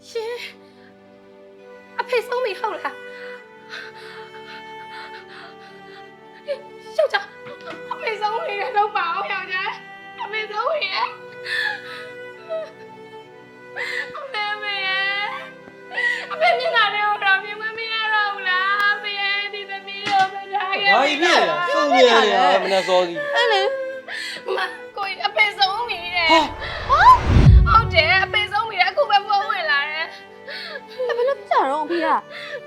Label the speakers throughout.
Speaker 1: ရှင်အဖေဆုံးပြီဟုတ်လားယောက်ျားအဖေဆုံးပြီတော့ပါအောင်ယောက်ျားအဖေဆုံးပြီအဖေမျက်နှာတွေကိုတော့မြင်မရတော့ဘူးလားအဖေဒီသမီးတို့မထားခဲ့
Speaker 2: ဘာကြီးဖြစ်လဲဆုံးနေရတယ်မနဲ့စောစီ
Speaker 1: အဲ့လေမကိုအဖေဆုံးပြီတဲ့ဟုတ်တယ်အဖေဆုံးပြီအခုပဲပုံဝင်လာတယ်
Speaker 3: ဘယ်လိုပြတော့အဖေက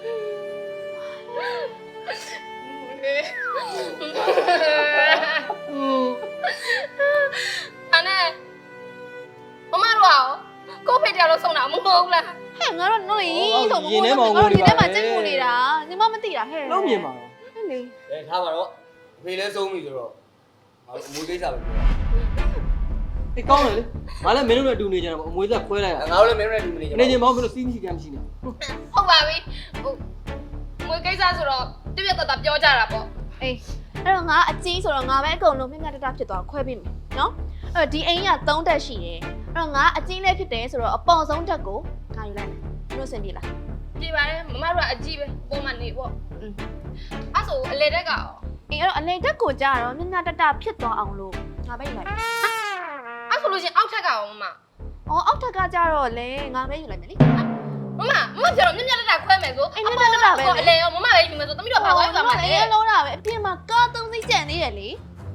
Speaker 1: အဲ့မမတို့ကိုဖေတရားလို့ဆုံးတာမဟုတ်ဘူးလား
Speaker 3: ဟဲ့ငါတို့နော်လေဆိုမဟုတ်ဘူးငါတို့ဒီထဲမှာကျင်းမှုနေတာညီမမသိတာဟဲ့
Speaker 2: လုံးမြင်ပါတော့
Speaker 3: ဟဲ့လေ
Speaker 4: ထားပါတော့အဖေလည်းဆုံးပြီဆိုတော့အမွေးကိစ္စပဲပြော
Speaker 2: အေးကောင်းတယ်လေငါလည်းမင်းတို့နဲ့အတူနေကြတာပေါ့အမွေးသက်ခွဲလိုက်ရ
Speaker 4: ငါတို့လည်းမင်းတို့နဲ့အတူနေကြ
Speaker 2: နေချင်းမောင်းမလို့စီးမရှိကမ်းမရှိနေ
Speaker 1: ဟုတ်ပါပြီမွေးကိစ္စဆိုတော့တပြက်တော့ပြောကြတာပေါ့
Speaker 3: အေးအဲ့တော့ငါအကြီးဆိုတော့ငါပဲအကုန်လုံးမြင့်မြတ်တတဖြစ်သွားခွဲပေးမယ်နော်အဲ့တော့ဒီအိမ်က3တက်ရှိတယ်အဲ့တော့ငါအကြီးလေးဖြစ်တယ်ဆိုတော့အပေါ်ဆုံးတက်ကိုငါယူလိုက်မယ်တို့စင်ပြေလား
Speaker 1: ပြေပါတယ်မမတို့ကအကြီးပဲပုံမှန်နေပေါ့အဲ့ဆိုအလေတက်ကရော
Speaker 3: အေးအဲ့တော့အလေတက်ကိုကြာတော့မြင့်မြတ်တတဖြစ်သွားအောင်လို့ငါပဲယူလိုက်မယ်
Speaker 1: အဲ့ဆိုလို့ရှင်အောက်ထက်ကရောမမ
Speaker 3: အောက်ထက်ကကြာတော့လေငါပဲယူလိုက်မယ်လေ
Speaker 1: မပြောတော့မြင့်မြတ်တက်ခွဲမယ်ဆို
Speaker 3: အေးမြင့်မြတ်တတပဲ
Speaker 1: အလေရောမမပဲယူမယ်ဆိုသမီးတို့ဘာသွားယူမှာလဲ
Speaker 3: လုံးတာပဲအပြင်မှာကား3စီးကျန်သေးတယ်လေ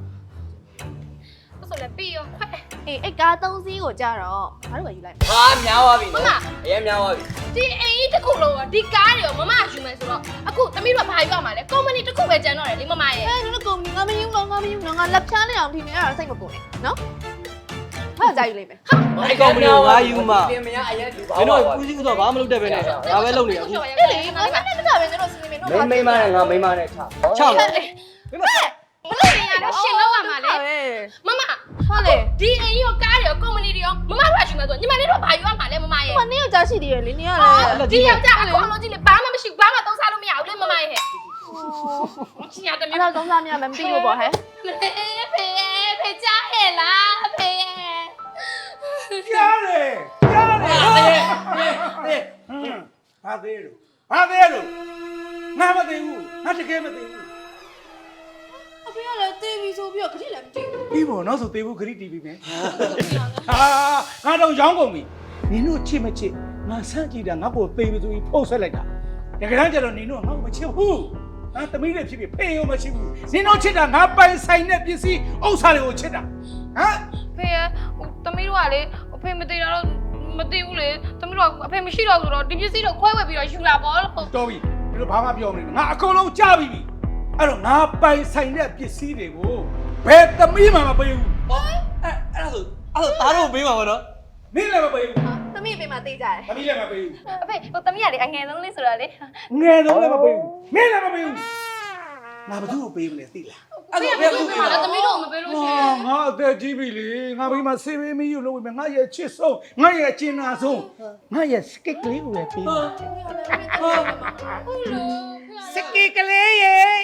Speaker 1: ဆိုလည်းပြီးရောခွဲ
Speaker 3: အေးအဲ့ကား3စီးကိုကြာတော့ငါတို့ပဲယူလိုက်မယ်
Speaker 4: ဟာများသွားပြီနော်အရင်များသွားပြီ
Speaker 1: ဒီအိမ်ကြီးတစ်ခုလုံးရောဒီကားတွေရောမမယူမယ်ဆိုတော့အခုသမီးတို့ဘာယူရမှာလဲကုမ္ပဏီတစ်ခုပဲကျန်တော့တယ်လေမမရဲ့
Speaker 3: အဲ့တို့ကုမ္ပဏီငါမယူတော့ငါလက်ဖြားနေအောင်ထင်နေရတာစိတ်မပေါ်နဲ့နော်ဟာကြာယူလိုက်မယ်
Speaker 2: ဟာအဲ့ကောင်မလို့ငါယူမှာ
Speaker 4: ပြင်မရအရင်လူပါ
Speaker 2: မင်းတို့ကူးစီးတော့ဘာမှမလုပ်တတ်ပဲနဲ့ငါပဲလုပ်နေရအခု
Speaker 3: အဲ့လေငါနဲ့တခြားပဲတို့စီနေမယ်နော်
Speaker 4: မိမနဲ့ငါမိမနဲ့ချ
Speaker 2: ချပါ
Speaker 1: မလို့နေရတော့ရှင်လောက်ရမှာလေမမ
Speaker 3: ဟုတ်လေ
Speaker 1: ဒီအိမ်ရောကားတွေရောကုမ္ပဏီတွေရောမမတို့ယူမယ်ဆိုညီမလေးတို့ဘာယူရမှာလဲမမရဲ့
Speaker 3: မနေ့ကကြာရှိသေးတယ်လေနေရလေ
Speaker 1: ဒီယောက်ျားအကုန်လုံးကြည့်လေဘာမှမရှိဘာမှသုံးစားလို့မရဘူးလေမမရဲ့ဟဲ့ချင်ရတ
Speaker 3: မျိုးတော့သုံးစားများမသိလို့ပေါ့ဟဲ့
Speaker 1: ဖေကြားဟဲ့လားဖေ
Speaker 5: ကြားတယ်ဘာသေးလို့ငါမသိဘူးငါတကယ်မသိဘူး
Speaker 3: အဖေကလည်းတေးပြီးဆိုပြီးတော့ခရီးလည်းမသိဘူး
Speaker 5: ပြီးပေါ့နောက်ဆိုသေးဘူးခရီးတီးပြီးမယ်ငါတော့ရောင်းကုန်ပြီနင်တို့ချစ်မချစ်ငါဆန့်ကြည့်တာငါ့ကိုသေးပြီးဆိုပြီးဖုတ်ဆက်လိုက်တာတကယ်တမ်းကျတော့နင်တို့ငါ့ကိုမချစ်ဘူးငါသမီးလေးဖြစ်ဖြစ်ဖေးရောမချစ်ဘူးနင်တို့ချစ်တာငါပိုင်ဆိုင်တဲ့ပစ္စည်းဥစ္စာတွေကိုချစ်တာဟမ်
Speaker 1: ဖေရသမီးတို့ကလေအဖေမသေးတာတော့မသိဘူးလေသမီးတို့ကအဖေမရှိတော့ဆိုတော့ဒီပစ္စည်းတော့ခွဲဝယ်ပြီးတော့ယူလာပေါ့လို့
Speaker 5: တော်ပြီဒီလိုဘာမှပြောမနေငါအကုန်လုံးကြားပြီအဲ့တော့ငါပိုင်ဆိုင်တဲ့ပစ္စည်းတွေကိုဘယ်သမီးမှမပေးဘူး
Speaker 2: အဲ့ဒါသားတို့ပေးမှာပါနော်
Speaker 5: မင်းလည်းမပေးဘူး
Speaker 3: သမီးပေးမှသိကြတယ်
Speaker 5: သမီးလည်းမပေးဘူး
Speaker 1: အဖေသမီးကလေအငယ်ဆုံးလေးဆိုတော့လေ
Speaker 5: ငယ်ဆုံးလည်းမပေးဘူးမင်းလည်းမပေးဘူးငါဘာလို့ပေးမလဲသိလား
Speaker 1: အဲ့ဒါဘယ်လိုလဲသမီးတို့မပေးလို့ရှိရင်
Speaker 5: ငါအသက်ကြီးပြီလေငါဘေးမှာဆေးပေးမယူလို့ပဲငါရဲ့ချစ်ဆုံးငါရဲ့ကျင်နာဆုံးငါရဲ့စကစ်ကလေးကိုလည်းပေးပါ
Speaker 1: ဟုတ်လို့
Speaker 5: စကစ်ကလေးရဲ့